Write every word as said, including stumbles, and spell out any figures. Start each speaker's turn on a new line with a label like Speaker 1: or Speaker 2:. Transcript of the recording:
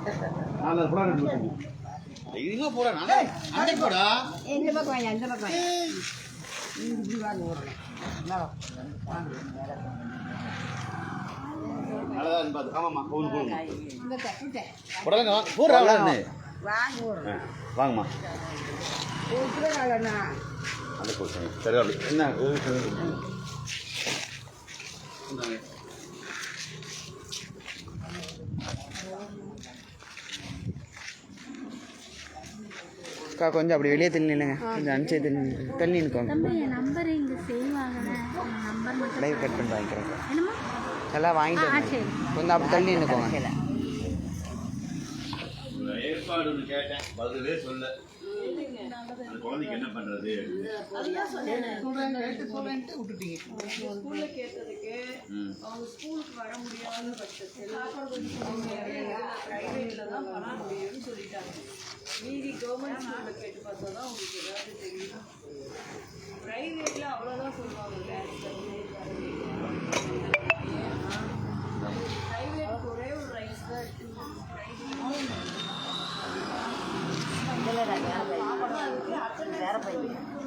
Speaker 1: தைரியமா போடா நானே அங்க போடா
Speaker 2: இந்த பக்கம் வாங்க இந்த பக்கம் வாங்க இப்படி வாங்க ஓடுறேன்
Speaker 1: நல்லதான் பாத்து ஆமாம்மா போன் போன்
Speaker 2: இந்த தட்டு
Speaker 1: போடலங்க போடுறா வாங்க
Speaker 2: ஓடுறேன்
Speaker 1: வாங்கம்மா
Speaker 2: போட்டுற காலண்ணா
Speaker 1: அந்த போச்சு சரி என்ன
Speaker 3: அக்கா கொஞ்சம் அப்படி வெளியே தள்ளி நில்லுங்க கொஞ்சம் அனுப்பிச்சு தள்ளி தள்ளி நிற்கோங்க
Speaker 4: நம்பர் இங்கே சேவ் ஆகலை நம்பர் மட்டும்
Speaker 3: லைவ் கட் பண்ணி வாங்கிக்கிறேன்
Speaker 4: என்னம்மா
Speaker 3: எல்லாம் வாங்கிட்டு கொஞ்சம் அப்படி தள்ளி நிற்கோங்க
Speaker 1: ஏற்பாடுன்னு கேட்டேன் பதிலே சொல்ல அந்த குழந்தைக்கு என்ன பண்றது
Speaker 2: ஸ்கூல்ல கேட்டதுக்கு அவங்க ஸ்கூலுக்கு வர முடியாத பட்சத்தில் பிரைவேட்ல தான் பண்ண முடியும்னு சொல்லிட்டாங்க. மீதி கவர்மெண்ட் ஸ்கூல்ல கேட்டு பார்த்தா தான் உங்களுக்கு ஏதாவது தெரியும். பிரைவேட்ல அவ்வளோதான் சொல்லுவாங்க. பிரைவேட் ஒரே ஒரு ரைஸ் தான் இருக்கு. வேற பையன்